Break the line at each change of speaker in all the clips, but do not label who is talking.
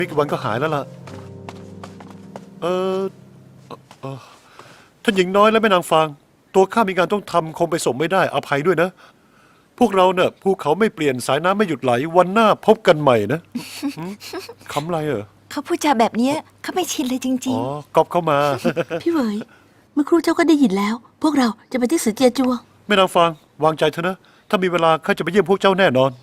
ไม่กี่วันก็หายแล้วล่ะเออท่านหญิงน้อยและแม่นางฟางตัวข้ามีงานต้องทำคงไปส่งไม่ได้อภัยด้วยนะพวกเราเนี่ยภูเขาไม่เปลี่ยนสายน้ำไม่หยุดไหลวันหน้าพบกันใหม่นะคำไร
เขาพูดจาแบบนี้เขาไม่ชินเลยจริง
ก๊อปเข้ามา
พี่เหวยเมื่อครู่เจ้าก็ได้ยินแล้ว พวกเราจะไปที่สือเจียจัว
แม่นางฟางวางใจเถอะนะถ้ามีเวลาข้าจะไปเยี่ยมพวกเจ้าแน่นอน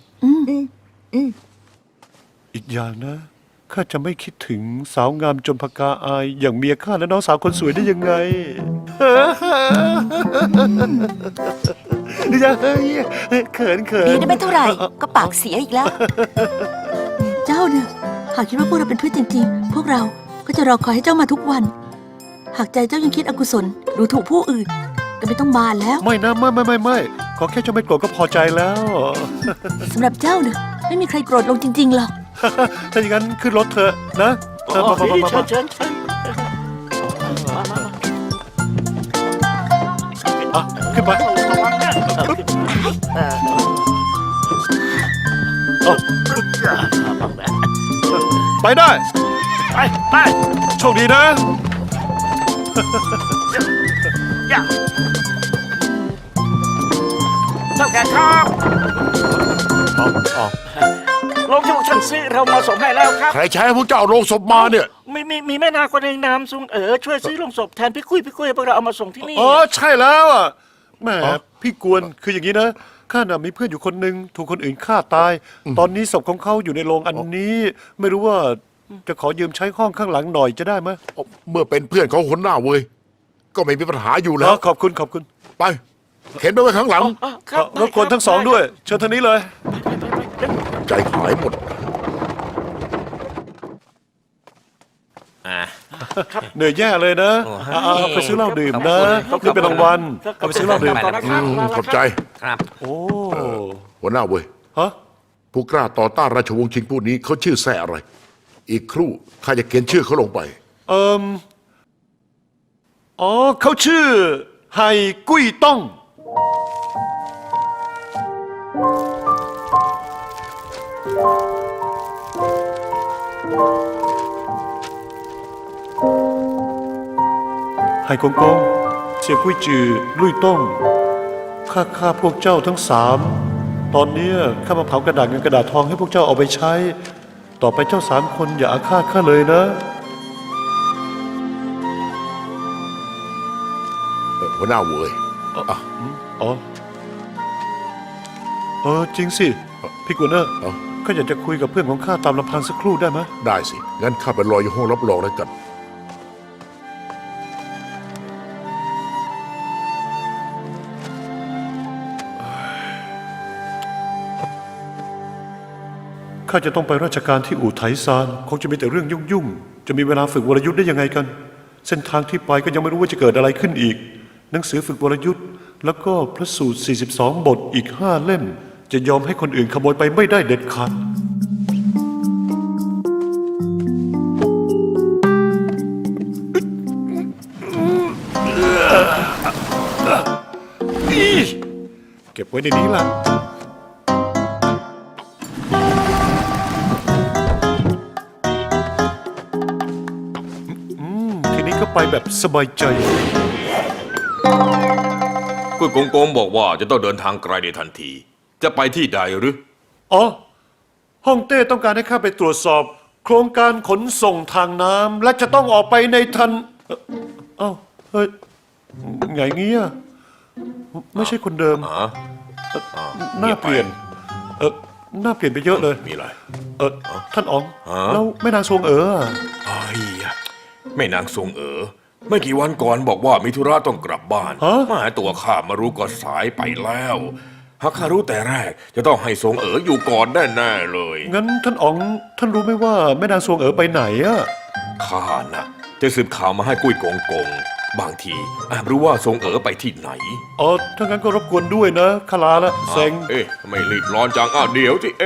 อีกอย่างนะข้าจะไม่คิดถึงสาวงามจนพกาอายอย่างเมียข้าและน้องสาวคนสวยได้ยังไงดีจังเขิน
ดีได้ไม่เท่าไหร่ก็ปากเสียอีกแล้ว
เจ้าเนี่ยหากคิดว่าพวกเราเป็นเพื่อนจริงๆพวกเราก็จะรอคอยให้เจ้ามาทุกวันหากใจเจ้ายังคิดอกุศลหรือถูกผู้อื่นก็ไม่ต้องบานแล้ว
ไม่นะไม่ขอแค่เจ้าไม่โกรธก็พอใจแล้ว
สำหรับเจ้าเนี่ยไม่มีใครโกรธลงจริงๆหรอก
ถ้าอย่างนั้นขึ้นรถเถอะนะ
มาเชิญ
ขึ้นไปไปได้
ไป
โชคดีนะ
เจ้าแก่ครับโรงที่พวกท่านซื้อเรามาส่งให้แล้วครับ
ใครใช้พวกเจ้าโรงศพมาเนี่ย
มีแม่นาคนหนึ่งนามซุงช่วยซื้อโรงศพแทนพี่คุยพวกเราเอามาส่งที่นี่
ใช่แล้วอ่ะแหมพี่กวนคืออย่างนี้นะข้าน่ะมีเพื่อนอยู่คนหนึ่งถูกคนอื่นฆ่าตายตอนนี้ศพของเขาอยู่ในโรงอันนี้ไม่รู้ว่าจะขอยืมใช้ห้องข้างหลังหน่อยจะได้ไหม
เมื่อเป็นเพื่อนของคนหน้าเว้ยก็ไม่มีปัญหาอยู่แล้ว
ขอบคุณ
ไปเข็นไปไว้ข้างหลัง
รบกวนทั้งสองด้วยเชิญทางนี้เลย
ใจหายหมด
เหนื่อยแย่เลยนะไปซื้อเหล้าดื่มนะนี่เป็นรางวัลเอาไปซื้อเหล้าดื่ม
ขอบใจ
ครับโอ้
หัวหน้าเว้ยผู้กล้าต่อต้านราชวงศ์ชิงผู้นี้เขาชื่อแซ่อะไรอีกครู่ข้าจะเขียนชื่อเขาลงไป
เขาชื่อไห่กุ้ยต้องไห่กงกงเสี่ยกุ้ยจือลุยต้องข้าพวกเจ้าทั้งสามตอนนี้ข้ามาเผากระดาษเงินกระดาษทองให้พวกเจ้าเอาไปใช้ต่อไปเจ้าสามคนอย่าอาฆาตข้าเลยนะ
หัวหน้าเว้ย
จริงสิพี่กุนเนอร์ข้าอยากจะคุยกับเพื่อนของข้าตามลำพังสักครู่ได้ไหม
ได้สิงั้นข้าไปรออยู่ห้องรับรองแล้วกัน
ข้าจะต้องไปราชการที่อู่ไถซานคงจะมีแต่เรื่องยุ่งจะมีเวลาฝึกวรยุทธ์ได้ยังไงกันเส้นทางที่ไปก็ยังไม่รู้ว่าจะเกิดอะไรขึ้นอีกหนังสือฝึกวรยุทธ์แล้วก็พระสูตร42บทอีก5เล่มจะยอมให้คนอื่นขโมยไปไม่ได้เด็ดขาดเก็บไว้ในนี้ล่ะทีนี้ก็ไปแบบสบายใจ
กุ้ยกงกงบอกว่าจะต้องเดินทางไกลในทันทีจะไปที่ใดหรือ
ฮ่องเต้ต้องการให้ข้าไปตรวจสอบโครงการขนส่งทางน้ำและจะต้องออกไปในทันเฮ้ยไงเงี้ยไม่ใช่คนเดิมหน้าเปลี่ยนหน้าเปลี่ยนไปเยอะเลย
มีอะไร
ท่านอ๋องแล้วแม่นางซวง
แม่นางซวงไม่กี่วันก่อนบอกว่ามีธุระต้องกลับบ้านมาหาตัวข้ามารู้ก็สายไปแล้วหากข้ารู้แต่แรกจะต้องให้ซวงอยู่ก่อนแน่ๆเลย
งั้นท่านอ๋องท่านรู้ไหมว่าแม่นางซวงไปไหนอะ
ข้าน่ะจะสืบข่าวมาให้กุ้ยกงกงบางทีอาจรู้ว่าซวงไปที่ไหน
ถ้างั้นก็รบกวนด้วยนะข้าลาละเซ็ง
ไม่รีบร้อนจังเดี๋ยวที่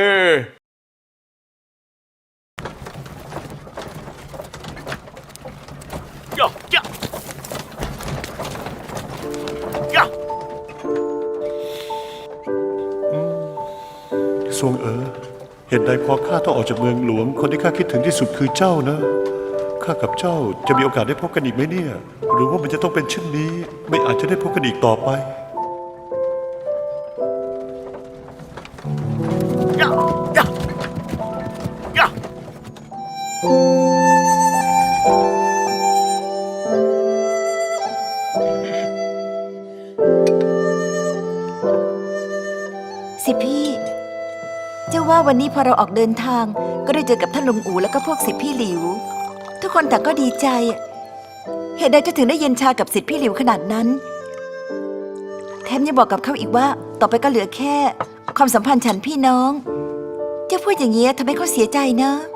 ซวงเห็เหตุใดพอข้าต้องออกจากเมืองหลวง คนที่ข้าคิดถึงที่สุดคือเจ้านะ ข้ากับเจ้าจะมีโอกาสได้พบกันอีกไหมเนี่ย หรือว่ามันจะต้องเป็นเช่นนี้ ไม่อาจจะได้พบกันอีกต่อไป
สิพี่เจ้าว่าวันนี้พอเราออกเดินทาง ก็ได้เจอกับท่านลุงอูแล้วก็พวกสิทธิพี่หลิว ทุกคนต่างก็ดีใจ เหตุใดจะถึงได้เย็นชากับสิทธิพี่หลิวขนาดนั้น แถมยังบอกกับเขาอีกว่า ต่อไปก็เหลือแค่ ความสัมพันธ์ฉันพี่น้อง เจ้าพูดอย่างนี้ทำให้เขาเสียใจนะ